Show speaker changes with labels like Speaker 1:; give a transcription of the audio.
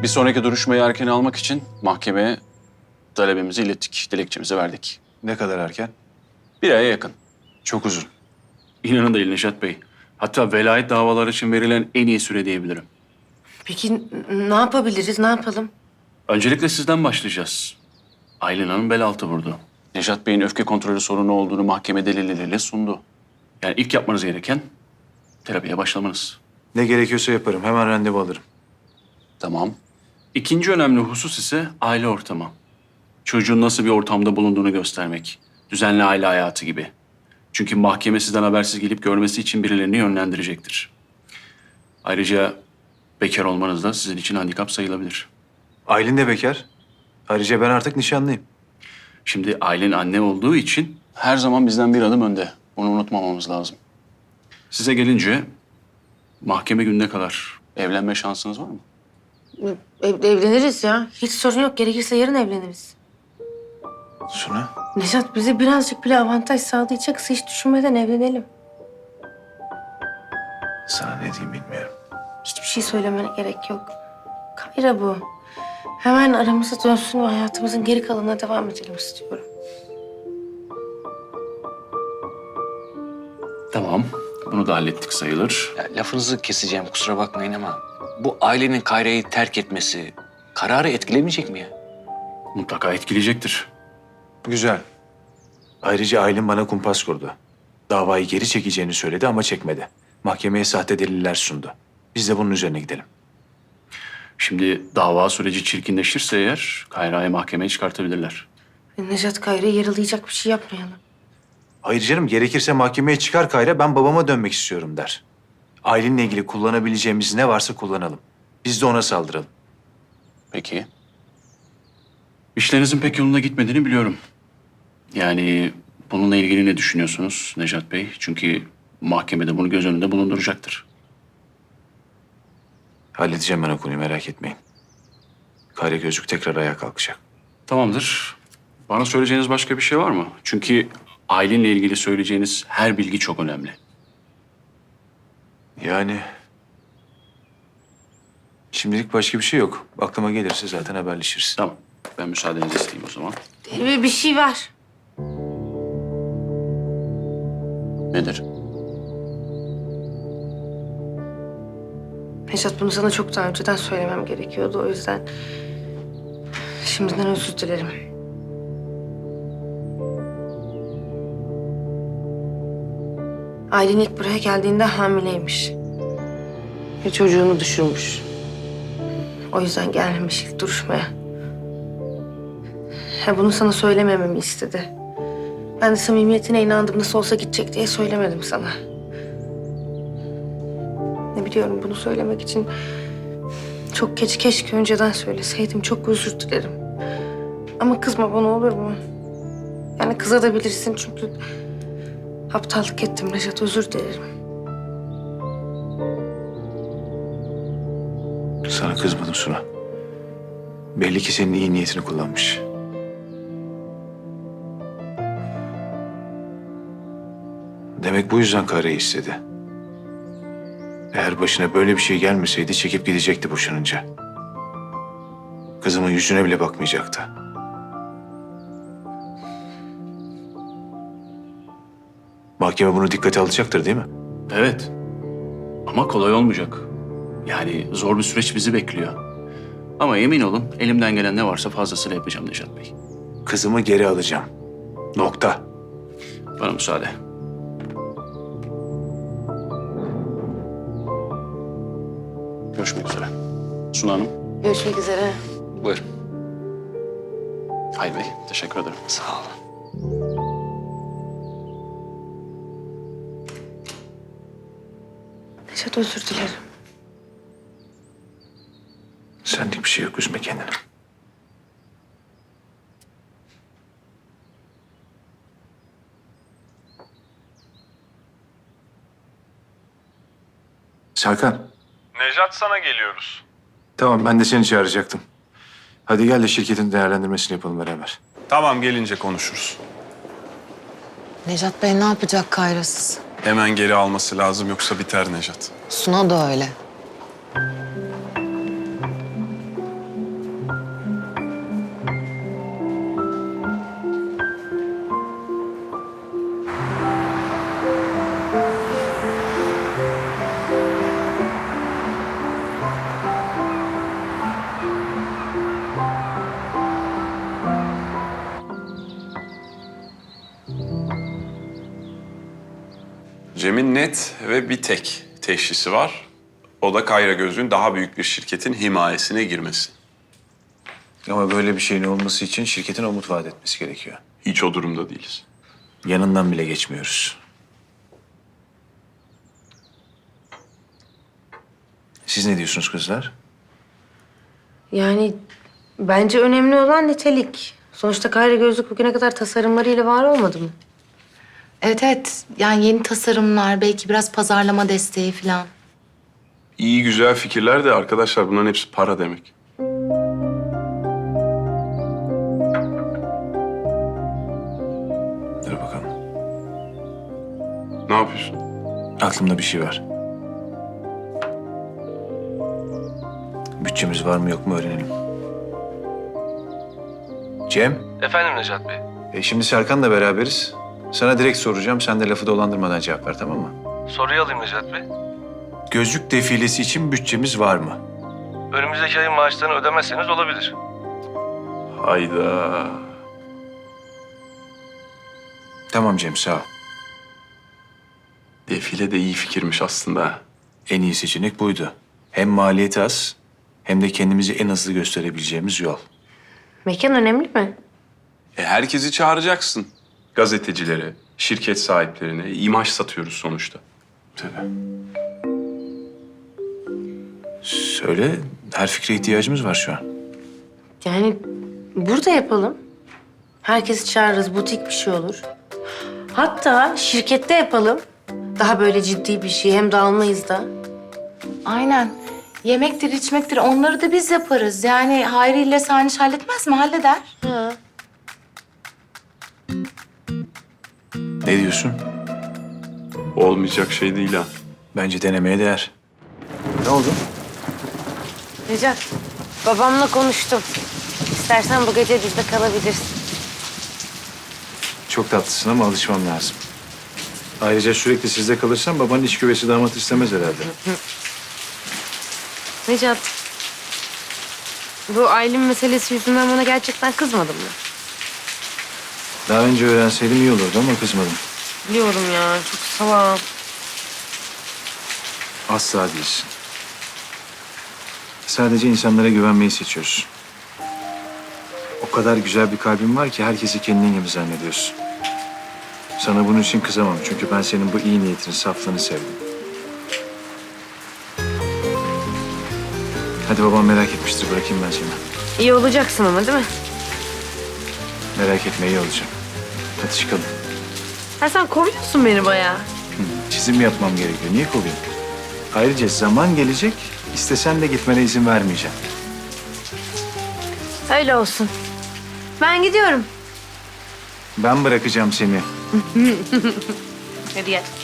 Speaker 1: Bir sonraki duruşmayı erken almak için mahkemeye talebimizi ilettik, dilekçemizi verdik.
Speaker 2: Ne kadar erken?
Speaker 1: Bir aya yakın.
Speaker 2: Çok uzun.
Speaker 1: İnanın değil Neşat Bey. Hatta velayet davaları için verilen en iyi süre diyebilirim.
Speaker 3: Peki ne yapabiliriz, ne yapalım?
Speaker 1: Öncelikle sizden başlayacağız. Aylin Hanım bel altı vurdu. Neşat Bey'in öfke kontrolü sorunu olduğunu mahkeme delilleriyle sundu. Yani ilk yapmanız gereken terapiye başlamanız.
Speaker 2: Ne gerekiyorsa yaparım. Hemen randevu alırım.
Speaker 1: Tamam. İkinci önemli husus ise aile ortamı. Çocuğun nasıl bir ortamda bulunduğunu göstermek. Düzenli aile hayatı gibi. Çünkü mahkeme sizden habersiz gelip görmesi için birilerini yönlendirecektir. Ayrıca bekar olmanız da sizin için handikap sayılabilir.
Speaker 2: Aylin de bekar. Ayrıca ben artık nişanlıyım.
Speaker 1: Şimdi ailen anne olduğu için her zaman bizden bir adım önde. Bunu unutmamamız lazım. Size gelince mahkeme gününe kadar evlenme şansınız var mı?
Speaker 3: Evleniriz ya. Hiç sorun yok. Gerekirse yarın evleniriz.
Speaker 2: Suna.
Speaker 3: Nejat bize birazcık bile avantaj sağlayacaksa hiç düşünmeden evlenelim.
Speaker 2: Sana ne diyeyim bilmiyorum.
Speaker 3: Hiçbir şey söylemene gerek yok. Kayra bu. Hemen aramıza dönsün ve hayatımızın geri kalanına devam edelim istiyorum.
Speaker 1: Tamam. Bunu da hallettik sayılır.
Speaker 4: Ya, lafınızı keseceğim kusura bakmayın ama bu ailenin Kayra'yı terk etmesi kararı etkilemeyecek mi ya?
Speaker 1: Mutlaka etkileyecektir.
Speaker 2: Güzel. Ayrıca Aylin bana kumpas kurdu. Davayı geri çekeceğini söyledi ama çekmedi. Mahkemeye sahte deliller sundu. Biz de bunun üzerine gidelim.
Speaker 1: Şimdi dava süreci çirkinleşirse eğer Kayra'yı mahkemeye çıkartabilirler.
Speaker 3: Nejat Kayra'yı yaralayacak bir şey yapmayalım.
Speaker 2: Hayır canım, gerekirse mahkemeye çıkar Kayra, ben babama dönmek istiyorum der. Aylin'le ilgili kullanabileceğimiz ne varsa kullanalım. Biz de ona saldıralım.
Speaker 1: Peki. İşlerinizin pek yolunda gitmediğini biliyorum. Yani bununla ilgili ne düşünüyorsunuz Necat Bey? Çünkü mahkemede bunu göz önünde bulunduracaktır.
Speaker 2: Halledeceğim ben o konuyu, merak etmeyin. Kayra Gözlük tekrar ayağa kalkacak.
Speaker 1: Tamamdır. Bana söyleyeceğiniz başka bir şey var mı? Çünkü ailenle ilgili söyleyeceğiniz her bilgi çok önemli.
Speaker 2: Yani... Şimdilik başka bir şey yok. Aklıma gelirse zaten haberleşiriz.
Speaker 1: Tamam. Ben müsaadenizi isteyeyim o zaman.
Speaker 3: Bir şey var.
Speaker 1: Nedir?
Speaker 3: Nejat bunu sana çok daha önceden söylemem gerekiyordu. O yüzden şimdiden özür dilerim. Aylin ilk buraya geldiğinde hamileymiş. Ve çocuğunu düşürmüş. O yüzden gelmemiş ilk duruşmaya. Bunu sana söylemememi istedi. Ben de samimiyetine inandım. Nasıl olsa gidecek diye söylemedim sana. Ne biliyorum, bunu söylemek için çok geç, keşke önceden söyleseydim. Çok özür dilerim. Ama kızma bana, olur mu? Yani kızabilirsin çünkü aptallık ettim Nejat, özür dilerim.
Speaker 2: Sana kızmadım Suna. Belli ki senin iyi niyetini kullanmış. Demek bu yüzden Kayra'yı istedi. Eğer başına böyle bir şey gelmeseydi çekip gidecekti boşanınca. Kızımın yüzüne bile bakmayacaktı. Mahkeme bunu dikkate alacaktır değil mi?
Speaker 1: Evet. Ama kolay olmayacak. Yani zor bir süreç bizi bekliyor. Ama emin olun elimden gelen ne varsa fazlasıyla yapacağım Necat Bey.
Speaker 2: Kızımı geri alacağım. Nokta.
Speaker 1: Bana müsaade. Görüşmek üzere. Suna Hanım.
Speaker 3: Görüşmek üzere.
Speaker 4: Buyurun.
Speaker 1: Hayır Bey, teşekkür ederim.
Speaker 4: Sağ olun.
Speaker 3: Nejat, özür dilerim.
Speaker 2: Senlik bir şey yok, üzme kendini. Serkan.
Speaker 5: Nejat, sana geliyoruz.
Speaker 2: Tamam, ben de seni çağıracaktım. Hadi gel de şirketin değerlendirmesini yapalım beraber.
Speaker 5: Tamam, gelince konuşuruz.
Speaker 6: Nejat Bey ne yapacak Kayra'sız?
Speaker 5: Hemen geri alması lazım yoksa biter Nejat.
Speaker 6: Suna da öyle.
Speaker 5: Cem'in net ve bir tek teşhisi var. O da Kayra Gözlük'ün daha büyük bir şirketin himayesine girmesi.
Speaker 2: Ama böyle bir şeyin olması için şirketin umut vaat etmesi gerekiyor.
Speaker 5: Hiç o durumda değiliz.
Speaker 2: Yanından bile geçmiyoruz. Siz ne diyorsunuz kızlar?
Speaker 3: Yani bence önemli olan nitelik. Sonuçta Kayra Gözlük bugüne kadar tasarımlarıyla var olmadı mı?
Speaker 6: Evet evet. Yani yeni tasarımlar, belki biraz pazarlama desteği falan.
Speaker 5: İyi güzel fikirler de arkadaşlar bunların hepsi para demek.
Speaker 2: Dur bakalım.
Speaker 5: Ne yapıyorsun?
Speaker 2: Aklımda bir şey var. Bütçemiz var mı yok mu öğrenelim. Cem,
Speaker 7: Efendim Necat Bey.
Speaker 2: şimdi Serkan'la beraberiz. Sana direkt soracağım. Sen de lafı dolandırmadan cevap ver, tamam mı?
Speaker 7: Soruyu alayım Necat Bey.
Speaker 2: Gözlük defilesi için bütçemiz var mı?
Speaker 7: Önümüzdeki ayın maaşlarını ödemezseniz olabilir.
Speaker 5: Hayda.
Speaker 2: Tamam Cem, sağ ol.
Speaker 5: Defile de iyi fikirmiş aslında.
Speaker 2: En iyi seçenek buydu. Hem maliyeti az, hem de kendimizi en hızlı gösterebileceğimiz yol.
Speaker 3: Mekan önemli mi?
Speaker 5: Herkesi çağıracaksın. Gazetecileri, şirket sahiplerine imaj satıyoruz sonuçta.
Speaker 2: Tabii. Söyle, her fikre ihtiyacımız var şu an.
Speaker 3: Yani burada yapalım. Herkesi çağırırız, butik bir şey olur. Hatta şirkette yapalım. Daha böyle ciddi bir şey, hem dağılmayız da.
Speaker 6: Aynen. Yemektir, içmektir onları da biz yaparız. Yani Hayri ile Saniş halletmez mi? Halleder.
Speaker 2: Ne diyorsun?
Speaker 5: Olmayacak şey değil ha.
Speaker 2: Bence denemeye değer. Ne oldu?
Speaker 3: Necat, babamla konuştum. İstersen bu gece bizde kalabilirsin.
Speaker 2: Çok tatlısın ama alışmam lazım. Ayrıca sürekli sizde kalırsam babanın iç güvesi damat istemez herhalde.
Speaker 3: Necat, bu Aylin meselesi yüzünden bana gerçekten kızmadın mı?
Speaker 2: Daha önce öğrenseydim iyi olurdu ama kızmadım.
Speaker 3: Biliyorum ya, çok salak.
Speaker 2: Asla değilsin. Sadece insanlara güvenmeyi seçiyorsun. O kadar güzel bir kalbin var ki herkesi kendin gibi zannediyorsun. Sana bunun için kızamam çünkü ben senin bu iyi niyetini, saflığını sevdim. Hadi babam merak etmiştir, bırakayım ben seni.
Speaker 3: İyi olacaksın ama değil mi?
Speaker 2: Merak etme, iyi olacağım. Hadi çıkalım.
Speaker 3: Ha, sen koruyorsun beni bayağı.
Speaker 2: Çizim yapmam gerekiyor. Niye kovayım? Ayrıca zaman gelecek, istesen de gitmene izin vermeyeceğim.
Speaker 3: Öyle olsun. Ben gidiyorum.
Speaker 2: Ben bırakacağım seni.
Speaker 3: Hadi gel.